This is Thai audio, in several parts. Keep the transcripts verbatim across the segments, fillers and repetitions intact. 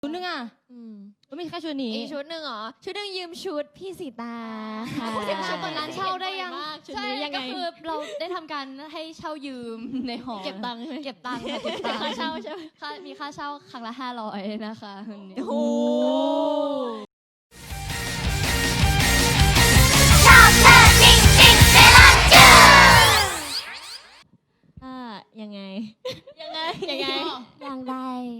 ชุดนึงอ่ะก็มีแค่ชุดนี้อีกชุดหนึ่งเหรอชุดหนึ่งยืมชุดพี่สีตาค่ะชุดตอนนั้นเช่าได้ยังชุดนี้ยังไงก็คือเราได้ทำการให้เช่ายืมในหอเก็บตังค์เก็บตังค์เก็บตังค์ค่าเช่าใช่ไหมมีค่าเช่าครั้งละห้าร้อยนะคะโอ้โหชอบเธอจริงจริงเซรั่มจืดอ่ายังไงยังไงยังไงยังไง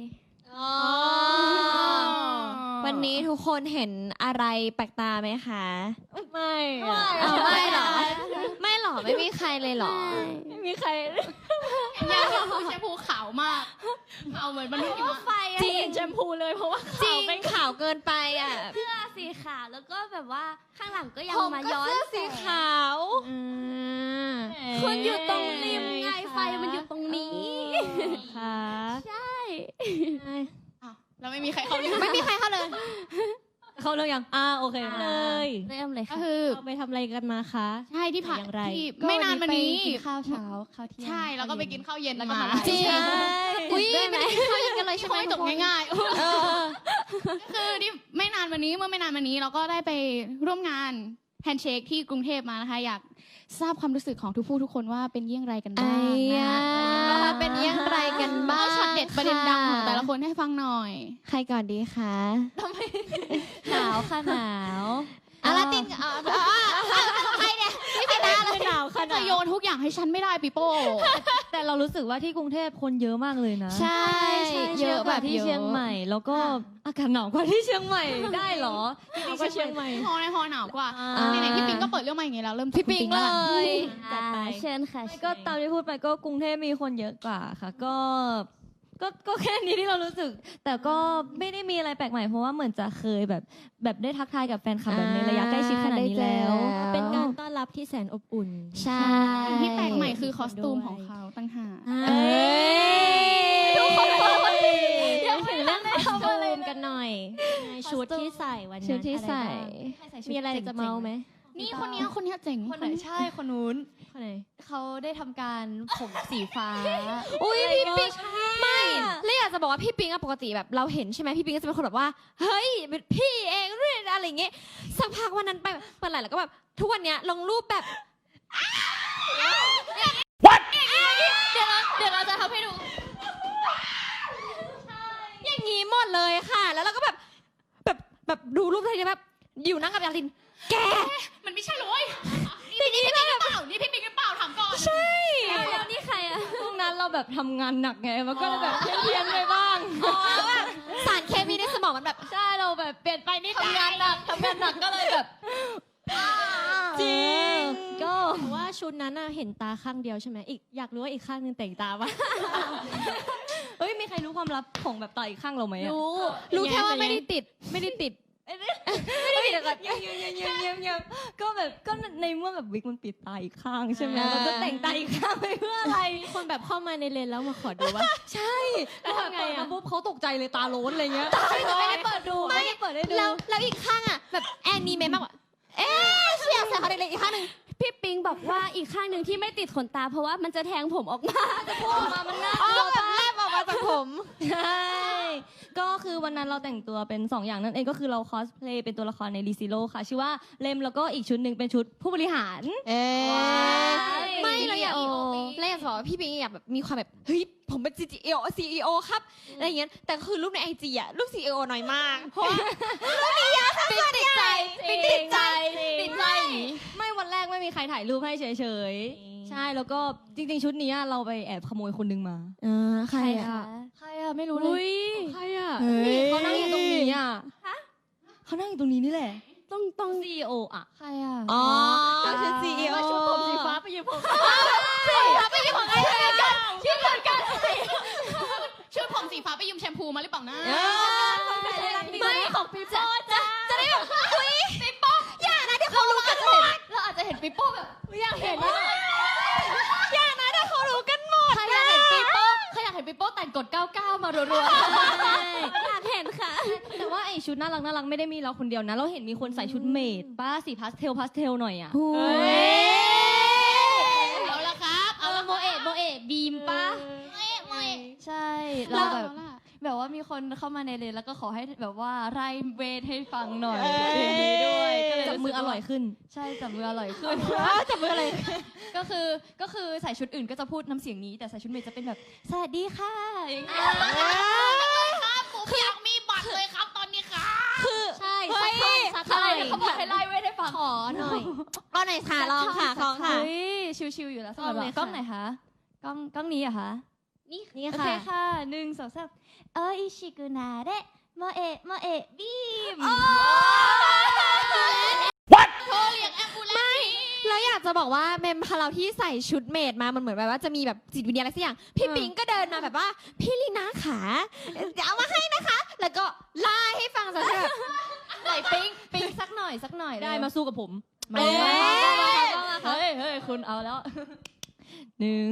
วันนี้ทุกคนเห็นอะไรแปลกตาไหมคะไม่ไม่หรอไม่หรอไม่มีใครเลยหรอไม่มีใครยังแชมพูขาวมากเอาเหมือนมันไม่ไฟจริงแชมพูเลยเพราะว่าจริงเป็นขาวเกินไปอ่ะเสื้อสีขาวแล้วก็แบบว่าข้างหลังก็ยังมาย้อนเสื้อสีขาวคุณอยู่ตรงริมไงไฟมันอยู่ตรงนี้ค่ะใช่แล้วไม่มีใครเข้าเลยไม่มีใครเข้าเลยเข้าเรื่องยังอ่าโอเคเลยเริ่มเลยค่ะก็คือเราไปทำอะไรกันมาคะใช่ที่ผ่านที่ไม่นานมานี้กินข้าวเช้าข้าวเที่ยงใช่แล้วก็ไปกินข้าวเย็นมาจริงอุ้ยไม่ได้ข้าวเย็นกันเลยใช่ไหมจบง่ายๆคือที่ไม่นานมานี้เมื่อไม่นานมานี้เราก็ได้ไปร่วมงานแฮนด์เชคที่กรุงเทพมานะคะอยากทราบความรู้สึกของทุกผู้ทุกคนว่าเป็นเยี่ยงไรกันบ้างนะเป็นเยี่ยงไรกันบ้างช็อตเด็ดประเด็นดังของแต่ละคนให้ฟังหน่อยใครก่อนดีคะหนาวค่ะหนาวอะไรตินใครเนี่ยพี่สีตาเลยหนาวค่ะจะโยนทุกอย่างให้ฉันไม่ได้ปีโป้แต่เรารู้สึกว่าที่กรุงเทพคนเยอะมากเลยนะใช่เยอะแบบที่เชียงใหม่แล้วก็อากาศหนาวกว่าที่เชียงใหม่ได้หรอที่เชียงใหม่ฮอในฮอหนาวกว่าไหนๆพี่ปิงก็เปิดเรื่องมาอย่างนี้แล้วเริ่มพี่ปิงเลยจัดไปเชิญค่ะก็ตามที่พูดไปก็กรุงเทพมีคนเยอะกว่าค่ะก็ก็ก็แค่นี้ที่เรารู้สึกแต่ก็ไม่ได้มีอะไรแปลกใหม่เพราะว่าเหมือนจะเคยแบบแบบได้ทักทายกับแฟนคลับแบบในระยะใกล้ชิดขนาดนี้แล้วเป็นการต้อนรับที่แสนอบอุ่นใช่ที่แปลกใหม่คือคอสตูมของเขาตั้งหากทุกคนอยากเห็นเรื่องคอสตูมกันหน่อยชุดที่ใส่วันนั้นชุดที่ใส่มีอะไรจะเมาไหมนี่คนนี้คนนี้เจ๋งคนไหนใช่คนนู้นคนไหนเขาได้ทำการผมสีฟ้าอุ้ยพี่ปิงไม่เลยอยากจะบอกว่าพี่ปิงอะปกติแบบเราเห็นใช่ไหมพี่ปิงก็จะเป็นคนแบบว่าเฮ้ยเป็นพี่เองเรื่องอะไรอย่างเงี้ยสักพักวันนั้นไปเปิดไหลแล้วก็แบบทุกวันเนี้ยลงรูปแบบ What เดี๋ยวเราเดี๋ยวเราจะทำให้ดูอย่างงี้หมดเลยค่ะแล้วเราก็แบบแบบแบบดูรูปอะไรแบบอยู่นั่งกับยาลินแกมันไม่ใช่เลยนี่พี่ปิงหรือเปล่านี่พี่ปิงหรือเปล่าถามก่อนใช่แล้วนี่ใครอะตรงนั้นเราแบบทำงานหนักไงมันก็เลยแบบเพี้ยนไปบ้างอ๋อแบบสารเคมีในสมองมันแบบใช่เราแบบเปลี่ยนไปนิดทำงานหนักทำงานหนักก็เลยแบบจริงก็ว่าชุดนั้นเห็นตาข้างเดียวใช่ไหมอีกอยากรู้ว่าอีกข้างนึงแต่งตาปะเฮ้ยมีใครรู้ความลับของแบบตาอีกข้างเราไหมรู้รู้แค่ว่าไม่ได้ติดไม่ได้ติดไม่ได้ปิดแบบเงียบเงียบเงียบเงียบเงียบเงียบก็แบบก็ในเมื่อแบบวิกมันปิดตาอีกข้างใช่ไหมเราจะแต่งตาอีกข้างไปเพื่ออะไรคนแบบเข้ามาในเลนแล้วมาขอดูว่าใช่แล้วทำไงอ่ะปุ๊บเขาตกใจเลยตาโล้นอะไรเงี้ยไม่ได้เปิดดูไม่ได้เปิดได้ดูแล้วแล้วอีกข้างอ่ะแบบแอนนี่เมมากว่าเอ๊ะเชี่ยใส่เขาเล็กๆอีกข้างนึงพี่ปิงบอกว่าอีกข้างหนึ่งที่ไม่ติดขนตาเพราะว่ามันจะแทงผมออกมาจะพูดออกมามันน่ากลัวแบบแลบออกมาจากผมใช่ก็คือวันนั้นเราแต่งตัวเป็นสองอย่างนั่นเองก็คือเราคอสเพลย์เป็นตัวละครในรีซิโร่ค่ะชื่อว่าเลมแล้วก็อีกชุดหนึ่งเป็นชุดผู้บริหารเอ๊ไม่เราอยากเราอยากบอกว่าพี่ปิงอยากแบบมีความแบบเฮ้ยผมเป็น ซี อี โอ ซี อี โอ ครับอะไรอย่างเงี้ยแต่คือรูปใน ไอ จี อ่ะรูป ซี อี โอ น้อยมากเพราะว่ารูปนี้ยากมากติดใจติดใจติดใจไม่วันแรกไม่มีใครถ่ายรูปให้เฉยๆใช่แล้วก็จริงๆชุดนี้เราไปแอบขโมยคนนึงมาเออใครอ่ะใครอ่ะไม่รู้เลยใครอ่ะเขานั่งอยู่ตรงนี้อ่ะเขานั่งอยู่ตรงนี้นี่แหละต้องต้องซี อี โอ อ่ะใครอ่ะอ๋อก็คือ ซี อี โอชุดผมสีฟ้าไปยืมผมสีฟ้าไปยืมของใครกันชื่อเหมือนกันชุดผมสีฟ้าไปยืมแชมพูมาหรือเปล่านะไม่ของปีโป้จะจะได้แบบคุยปีโป้อย่านะเดี๋ยวเขารู้กันหมดเราอาจจะเห็นปีโป้แบบอยากเห็นอย่านะเดี๋ยวเขารู้กันหมดใครอยากเห็นปีโป้ใครอยากเห็นปีโป้แต่งกดเก้าเก้ามารัวๆอยากเห็นค่ะแต่ว่าไอชุดน่ารักน่ารักไม่ได้มีเราคนเดียวนะเราเห็นมีคนใส่ชุดเมดป้าสีพาสเทลพาสเทลหน่อยอ่ะเอาละครับเอาละโมเอะโมเอะบีมป้าโมเอะใช่เราแบบแบบว่ามีคนเข้ามาในเลนแล้วก็ขอให้แบบว่าไล่เวทให้ฟังหน่อยอย่างนี้ด้วยก็เลยจับมืออร่อยขึ้นใช่จับมืออร่อยขึ้นจับมืออะไรก็คือก็คือใส่ชุดอื่นก็จะพูดน้ำเสียงนี้แต่ใส่ชุดเมย์จะเป็นแบบสวัสดีค่ะอย่างเงี้ยครับผมอยากมีบัตรเลยครับตอนนี้ครับใช่สักท่อนสักท่ใช่อนเขาบอกให้ไล่เวทให้ฟังขอหน่อยเอาไหนค่ะลองค่ะลองค่ะเฮ้ยชิวๆอยู่แล้วสำหรับกล้องเลยกล้องค่ะไหนคะกล้องกล้องนี้เหรอะคะนี่โอเคค่ะหนึ่งสองสามโออิชิกุนาเดะโมเอะโมเอะบีมโทรเรียกแอมบูเลนซ์แล้วอยากจะบอกว่าเมมพาเราที่ใส่ชุดเมดมา มันเหมือนแบบว่าจะมีแบบจิตวิญญาณอะไรสักอย่าง พี่ปิงก็เดินมาแบบว่า พี่ลีน่าขาเดี๋ยวเอามาให้นะคะ แล้วก็ไล่ให้ฟังซะแบบไหนปิ๊งปิ๊งสักหน่อยสักหน่อยได้มาสู้กับผมมาเอ๊ะเฮ้ยเฮ้ยคุณเอาแล้วหนึ่ง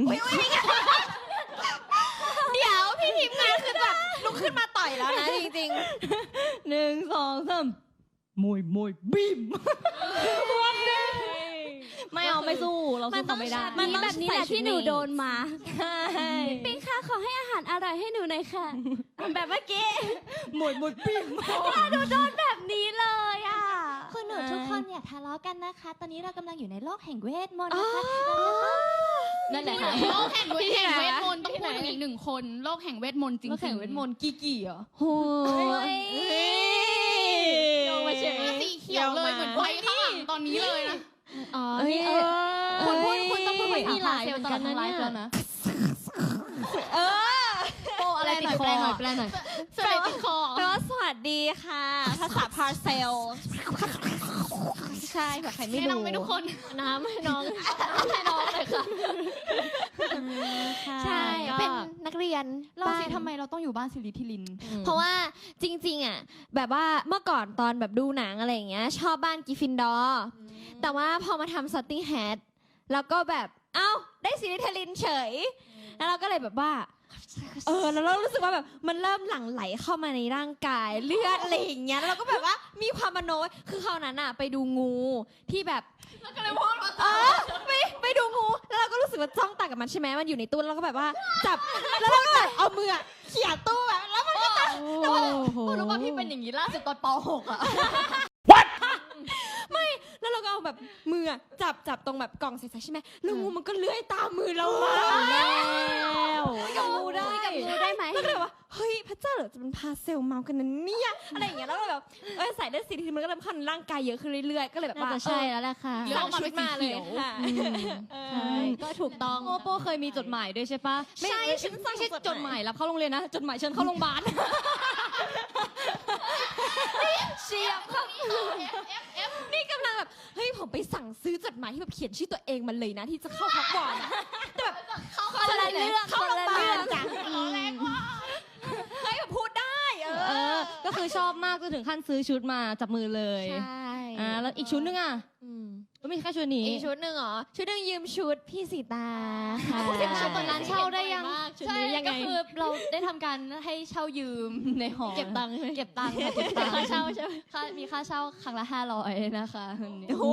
เดี๋ยวพี่ทีมงานคือแบบลุกขึ้นมาต่อยแล้วนะจริงหนึ่งสองสามมวยมวยบีมไม่เอาไม่สู้เรามัสู้นต้อเขางไม่ได้มันต้องแบบนี้แหละใส่ชุดที่หนูเมย์โดนมาใช่ปิงค่ะขอให้อาหารอร่อยให้หนูหน่อยค่ะ แบบเมื่อกี้มวยมวยบีมแบบนี้เลยอ่ะคือหนูทุกคนอย่าทะเลาะกันนะคะ ตอนนี้เรากำลังอยู่ในโลกแห่งเวทมนต์อ๋อนะคะ นั่นแหละค่ะโลกแห่งเวทแห่งเวทมนต์ต้องพูดถึงอีกหนึ่งคนโลกแห่งเวทมนต์จริงโลกแห่งเวทมนต์กี่กี่เหรอโอ้ยโยงมาเฉยสีเขียวเลยเหมือนไฟข้างหลังตอนนี้เลยนะอ๋อเอ้ยนี่เอเอออคุณพูดคุณต้องพูดภาษามีหไทลายยเหไปมือนตลกัอน ดนะทั้งไลเนี่ยฟ์แล้วนะเออโปอะไรติดคอแปลหน่อยแปลหน่อยเสด็จติดคอแปลว่าสวัสดีค่ะ ภาษาพาร์เซล ใช่แบบใครไม่แนะรู้นำให้ทุกคนน้ำให้น้องให้น้องเลยค่ะใช่ก็เป็นนักเรียนเราสิบ้นทำไมเราต้องอยู่บ้านสิริพิลินเพราะว่าจริงๆอ่ะแบบว่าเมื่อก่อนตอนแบบดูหนังอะไรอย่างเงี้ยชอบบ้านกริฟฟินดอร์แต่ว่าพอมาทำซัตติ้งแฮดแล้วก็แบบเอ้าได้ซิลิเทลินเฉย แล้วเราก็เลยแบบว่าเออแล้วเรารู้สึกว่าแบบมันเริ่มหลั่งไหลเข้ามาในร่างกายเลือดอะไรอย่างเงี้ยแล้วเราก็แบบว่ามีความมโนคือคราวนั้นอะไปดูงูที่แบบแล้วก็เลยพูดว่าเออไปไปดูงูแล้วเราก็รู้สึกว่าจ้องตากับมันใช่ไหมมันอยู่ในตู้แล้วเราก็แบบว่าจับแล้วเราก็แบบเอามืออะเขี่ยตู้แบบแล้วมันก็จะโอ้โหคุณรู้ป่ะพี่เป็นอย่างนี้ล่าสุดตอนป หกอ่ะแล้วเราก็เอาแบบมืออะจับจับตรงแบบกล่องใสๆใช่ไหมแล้วงูมันก็เลื้อยตามมือเรามาแล้วกับงูได้กับงูได้ไหมแล้วก็เลยว่าเฮ้ยพระเจ้าเหรอจะเป็นพาเซลเมากันนะเนี่ยอะไรอย่างเงี้ยแล้วก็แบบเออใส่ได้สีทีมันก็เริ่มเข้าในร่างกายเยอะขึ้นเรื่อยๆก็เลยแบบน่าว่าจะใช่แล้วแหละค่ะเดี๋ยวสั่งชุดมาเลยค่ะใช่ก็ถูกต้องโมโป้เคยมีจดหมายด้วยใช่ปะใช่ไม่ฉันสั่งไม่ใช่จจดดหมามหาย ยรับเข้าโรงเรียนนะ จดหมายเชิญเข้าโรงพยาบาลเชียบครับนี่กำลังแบบเฮ้ยผมไปสั่งซื้อจดหมายที่แบบเขียนชื่อตัวเองมันเลยนะที่จะเข้าพักก่อนอะแต่แบบเข้าคนละเรื่องเข้าโรงพยาบาลคนละเรื่องจ้ะร้อแรงว่าเฮ้ยแบบพูดได้เอเอออ ก็คือชอบมากจนถึงขั้นซื้อชุดมาจับมือเลยใช่อ่า แล้วอีกชุดนึงอ่ะอืมก็มีแค่ชุดนี้อีกชุดหนึ่งเหรอ ชุดหนึ่งยืมชุดพี่สีตาค่ะเห็นชุดตอนนั้นเช่าได้ยังชุดใช่นี้ยังไงก็คือเราได้ทำการให้เช่ายืมในหอเก็บตังค์ใช่ไหมเก็บตังค์ค่ะเก็บตังค์ค่าเช่าใช่ไหมค่ามีค่าเช่าครั้งละห้าร้อยนะคะวันนี้โอ้โห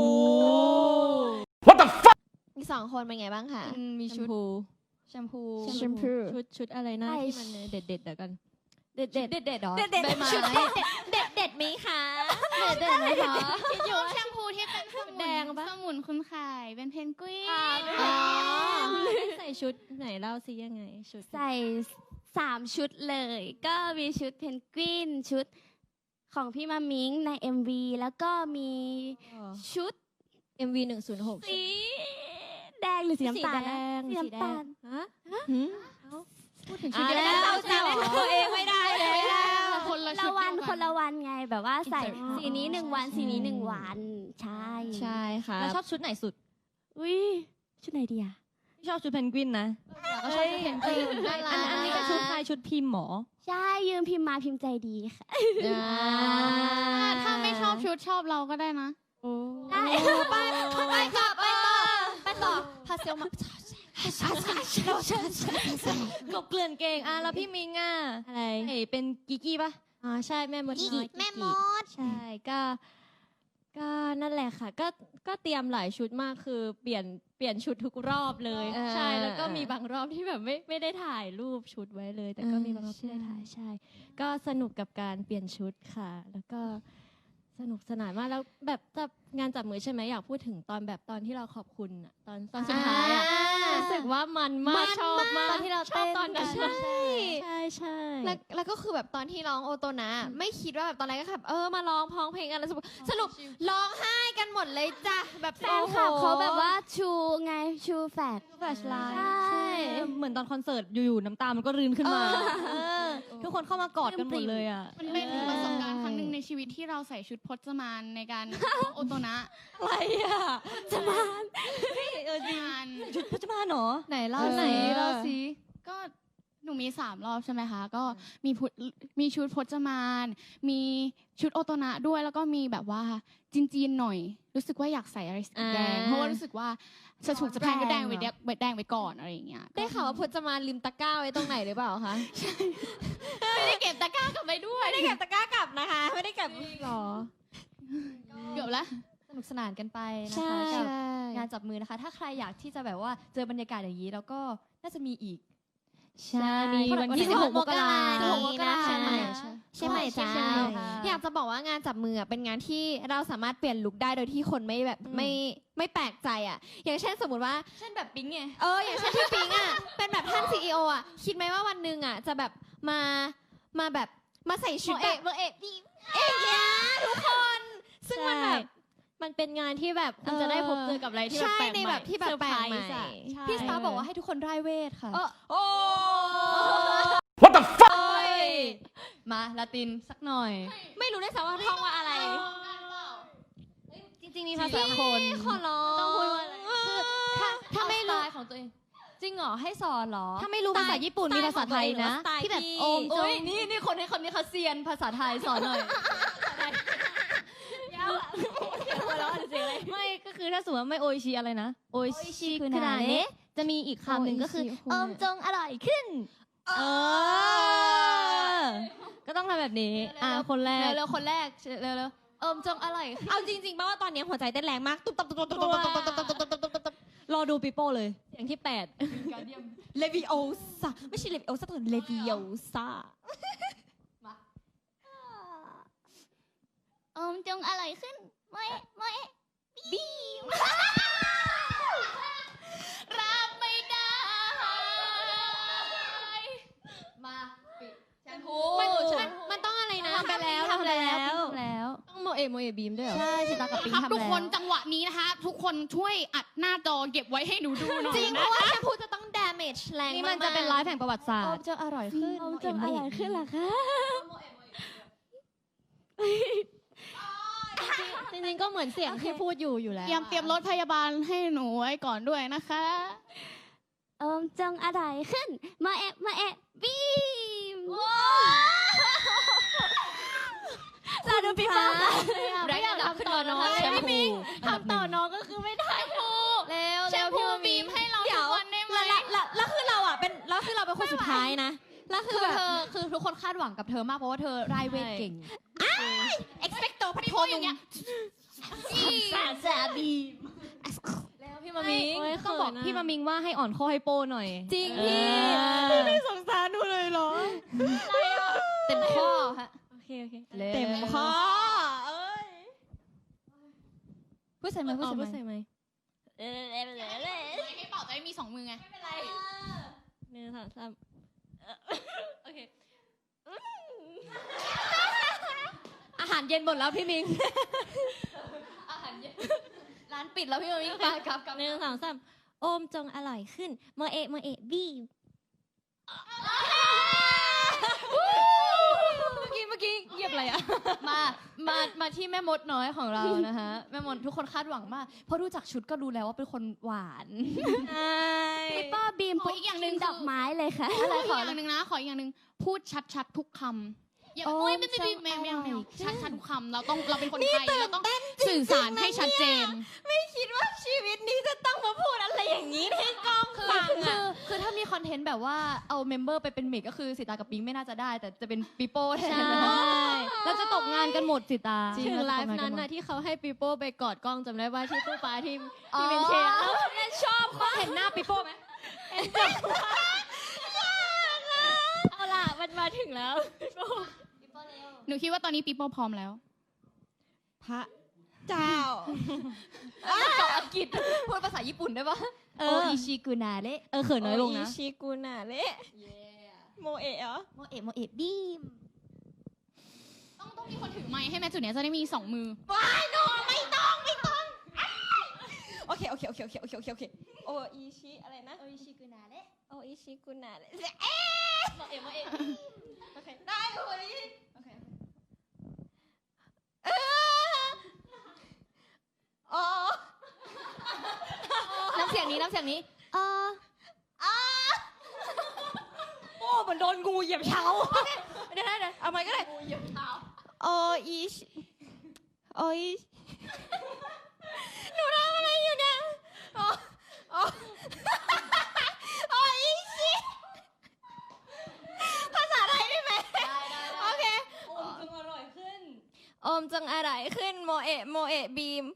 มีสองคนเป็นไงบ้างคะอืมมีชุดแชมพูแชมพูชุดชุดอะไรนะใช่ที่มันเด็ดเด็ดๆเดี๋ยวกันเด็ดเด็ดเด็ดเด็ดหรอเด็ดเด็ดใบไม้ชุดเด็ดเด็ดเด็ดไหมคะเด็ดเด็ดไหมคะคิดอยู่แชมพูที่เป็นสมุนแดงปะสมุนคุณไข่เป็นเพนกวินอ๋อใส่ชุดไหนเล่าซิยังไง ชุดใส่สามชุดเลย ก็มีชุดเพนกวินชุดของพี่มามิงใน เอ็ม วี แล้วก็มีชุดเอ็มวีหนึ่งศูนย์หกสีแดงหรือสีน้ำตาลสีแดงสีสีแดน้ำตาง ลฮะพูดถึงชุอ่าดเดียวแล้กันวเราจะเล่นตัวเองไม่ได้เลยคนละละชุดวันเดียคนละวันไงแบบว่าใส่ Insert สีนี้หนึ่งวันสีนี้หนึ่งวัน ใช่ใช่ค่ะแล้วชอบชุดไหนสุดอุ้ยชุดไหนดีอะชอบชุดเพนกวินนะก็ชอบชุดเพนกวินน่ารักอันอันนี้เป็นชุดใครชุดพิมพ์หมอใช่ยืมพิมพ์มาพิมพ์ใจดีค่ะถ้าไม่ชอบชุดชอบเราก็ได้นะได้ไปไปต่อไปต่อไปต่อพาเซลมากบเกลื่อนเก่งอ่ะแล้วพี่มิงอ่ะอะไรเฮ้ยเป็นกิกกี้ปะอ๋อใช่แม่มดน้อยแม่มดใช่ก็ก็นั่นแหละค่ะ ก็ก็เตรียมหลายชุดมากคือเปลี่ยนเปลี่ยนชุดทุกรอบเลยเออใช่แล้วก็มีบางรอบที่แบบไม่ไม่ได้ถ่ายรูปชุดไว้เลย แต่ก็เออมีบางรอบที่ได้ถ่ายใช่ ก็สนุกกับการเปลี่ยนชุดค่ะ แล้วก็สนุกสนานมากแล้วแบบจับงานจับมือใช่ไหมอยากพูดถึงตอนแบบตอนที่เราขอบคุณอะตอนตอนสุดท้ายอะรู้สึกว่ามันมากชอบมากตอนที่เราชอบเต้นตอนนั้นกันใช่ใช่ใช่แล้วแล้วก็คือแบบตอนที่ร้องโอโตนะไม่คิดว่าแบบตอนแรกก็แบบเออมาร้องพ้องเพลงกันแล้วสรุปสรุปร้องไห้กันหมดเลยจ้ะแบบแฟนคลับเขาแบบว่าชูไงชูแฟดแฟลชไลท์ใช่เหมือนตอนคอนเสิร์ตอยู่ๆน้ำตามันก็รื้นขึ้นมาเออทุกคนเข้ามากอดกันหมดเลยอ่ะมันเป็นประสบการณ์ครั้งหนึ่งในชีวิตที่เราใส่ชุดพจมานในการ ร้องโอโตนะอะไรอ่ะจะมาเออจริงงานชุดพจมานเหรอไหนเล่าไหนสิเล่าสิก็หนูมีสามรอบใช่ไหมคะ ก็มีพุมีชุดพจมาน มีชุดโอโตนะด้วยแล้วก็มีแบบว่าจีนๆหน่อย รู้สึกว่าอยากใส่อะไรสีแดงอ่าเพราะว่ารู้สึกว่าจะถูกจะแพงก็แดงไว้แดงไว้แดงไว้ก่อนอะไรอย่างเงี้ยได้ข่าวว่าพจมานลืมตะกร้าไว้ตรงไหนหรือเปล่าคะไม่ได้เก็บตะกร้ากลับไปด้วยไม่ได้เก็บตะกร้ากลับนะคะ ไม่ได้เก็บหรอเกือบแล้วสนุกสนานกันไปนะใช่คะกับใช่งานจับมือนะคะ ถ้าใครอยากที่จะแบบว่าเจอบรรยากาศอย่างนี้แล้วก็น่าจะมีอีกใช่มีวันที่สิบหกมกราสิบหกมกราใช่ใช่ไหมใช่ไหมจ้าใช่ค่ะอยากจะบอกว่างานจับมืออะเป็นงานที่เราสามารถเปลี่ยนลุคได้โดยที่คนไม่แบบไม่ไม่แปลกใจอ่ะ อย่างเช่นสมมติว่าเช่นแบบปิ๊งไงเอออย่างเช่นพี่ปิงอ่ะ เป็นแบบท่านซีอีโออ่ะ คิดไหมว่าวันหนึ่งอ่ะ จะแบบมามาแบบมาใส่ชุดแบบเบอร์เอกพี่เอกยาทุกคน ซึ่งมันแบบมันเป็นงานที่แบบคุณจะได้พบเจอกับอะไรที่แบบใช่แปลกในใหม่แบบที่แบบแปลกใหม่เซอร์ไพรส์อะใช่พี่สตาร์บอกว่าให้ทุกคนร่ายเวทค่ะเออโอ้ What the fuck มาลาตินสักหน่อยไม่รู้ได้วยซ้ำว่าท่องว่าอะไรจริงๆมีภาษาคนขอร้องต้องพูดว่าอะไรคือถ้าถ้าไม่สรู้ไตล์ของตัวเอง จริงเหรอให้สอนเหรอถ้าไม่รู้ภาษาญี่ปุ่นมีภาษาไทยนะที่แบบโอมโอ้ยนี่นี่คนให้คนนี้เขาเซียนภาษาไทยสอนหน่อยไม่ก็คือถ้าสมมติว่าไม่โออิชิอะไรนะโออิชิคือนาเนะจะมีอีกคำหนึ่งก็คือเอิมจงอร่อยขึ้น เออ ก็ต้องทำแบบนี้ อ่าคนแรกเร็วๆคนแรกเร็วๆเอิมจงอร่อยเอาจริงๆป่ะว่าตอนนี้หัวใจเต้นแรงมากตุ๊บตับตุ๊บตับตุ๊บตับตุ๊บตับตุ๊บตับตุ๊บตับตุ๊บตับรอดูปิโป้เลยเสียงที่แปดเลวิโอซาไม่ใช่เลวิโอซาแต่เลวิโอซาอมจงอร่อยขึ้นเมื่อเมื่อบีมรับไม่ได้มาปิดแชมพูมันมันมันต้องอะไรนะทำไปแล้วทำไปแล้วทำแล้วต้องโมเอะโมเอะบีมด้วยเหรอใช่ชิตากับปิงครับทำทุกแล้วคนจังหวะนี้นะคะ ทุกคนช่วยอัดหน้าจอเก็บไว้ให้หนูดูหน่อยจริงเพนะราะว่าแชมพูจะต้อง damage แรงนี่มากมันจะเป็นไลฟ์แห่งประวัติศาสตโอร์มจะอร่อยขึ้นอมจงอร่อยขึ้นเหรอคะ จริงๆก็เหมือนเสียงที่พูดอยู่อยู่แล้วเตรียมเตรียมรถพยาบาลให้หนูไว้ก่อนด้วยนะคะอมจงอร่อยขึ้นเมื่อเมื่อบีมเราดูพี่ฟ้าแรงระดับขึ้นมาเนาะแชมพูทำต่อน้องก็คือไม่ได้เร็วแชมพูบีมให้เราทุกวันได้ไหมแล้วแล้วแล้วคือเราอ่ะเป็นแล้วคือเราเป็นคนสุดท้ายนะแล้วคืคือ อแบบเธอคือทุกคนคาดหวังกับเธอมากเพราะว่าเธอร่ายเวทเก่ง expecto พัทโทอนุย่างมเงี้ยแล้วพี่มามิงโอ้ยต้องบอกเขินอะพี่มามิงว่าให้อ่อนข้อให้โป้หน่อยจริงพี่พี่ไม่สงสารหนูเลยเหรอเต็มข้อฮะโอเคโอเคเต็มข้อเอ้ยพูดใส่ไหมพูดอ๋อใส่ไหมพูดใส่ไหมให้เป่าจะได้มีสองมือไงหนึ่งสองสามโอเคอาหารเย็นหมดแล้วพี่มิงอาหารเย็นร้านปิดแล้วพี่มามิงไปกลับกลับหนึ่งสองสามโอมจงอร่อยขึ้นเมื่อเอะเมื่อเอะบีมเมื่อกี้เมื่อกี้เหยียบอะไรอะมา มา มาที่แม่มดน้อยของเรานะคะแม่มดทุกคนคาดหวังมากเพราะดูจากชุดก็รู้แล้วว่าเป็นคนหวานใช่พี่ป้อบีมขออีกอย่างหนึ่งดอกไม้เลยค่ะอะไรขออย่างหนึ่งนะ ขออีกอย่างหนึ่งพูดชัดๆทุกคำอย่าโอ้ยไม่ไม่ไม่ไม่ไม่ไม่ชัดชัดทุกคำเราต้องเราเป็นคนไทยเราต้องสื่อสารให้ชัดเจนไม่คิดว่าชีวิตนี้จะต้องมาพูดอะไรอย่างนี้ให้กล้องคือฟังคือะอคือถ้ามีคอนเทนต์แบบว่าเอาเมมเบอร์ไปเป็นเมกก็คือสิตากับปิงไม่น่าจะได้ แต่จะเป็นปิโป้แทนเราจะตกงานกันหมดสิตาถึงไลฟ์นั้นนะที่เขาให้ปีโป้ไปกอดกล้องจำได้ว่าที่ตู้ปลาที่ที่เป็นเชฟแล้วชอบมากเห็นหน้าปิโป้ไหมเอาล่ะมันมาถึงแล้วหนูคิดว่าตอนนี้ปีโป้พร้อมแล้วพระเจ้าเกาะอังกฤษพูดภาษาญี่ปุ่นได้ปะเอโอออิชิกุนาเระเออเขินน้อยลงนะโอิชิกุนาเละโมเอะเหรอโมเอะโมเอะบีมต้องต้องมีคนถือไมค์ให้แม่จุดเนี้ยจะได้มีสองมือโอเคโอเคโอเคโอเคโอเคโอเคโอเคโออิชิอะไรนะโออิชิกุนาเระโออิชิกุนาเละโมเอะโมเอะโอเคได้โออิโอเคเอออ๋อน้ำเสียงนี้น้ำเสียงนี้เออโอ้เหมือนโดนงูเหยียบเท้าเดี๋ยวนะเดี๋ยวเอาใหม่ก็ได้โออิชิโออิหนูทำอะไรอยู่เนี่ยโอโอโออิชิภาษาไทยได้ไหมโอเคโอมจงอร่อยขึ้นโอมจังอะไรขึ้นโมเอะโมเอะบีม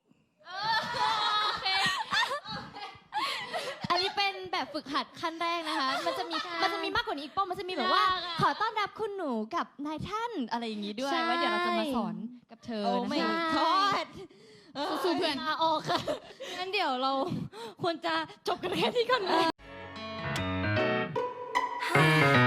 อันนี้เป็นแบบฝึกหัดขั้นแรกนะคะ มันจะมีมันจะมีมากกว่านี้อีกป้อมมันจะมีแบบว่า ขอต้อนรับคุณหนูกับนายท่านอะไรอย่างนี้ด้วยใช่ไว้เดี๋ยวเราจะมาสอนกับเธอโอ้นะไม่คะกอดสู้ๆเพื่อนลาออกค่ะงั้นเดี๋ยวเราควรจะจบกันแค่นี้ก่อนไหม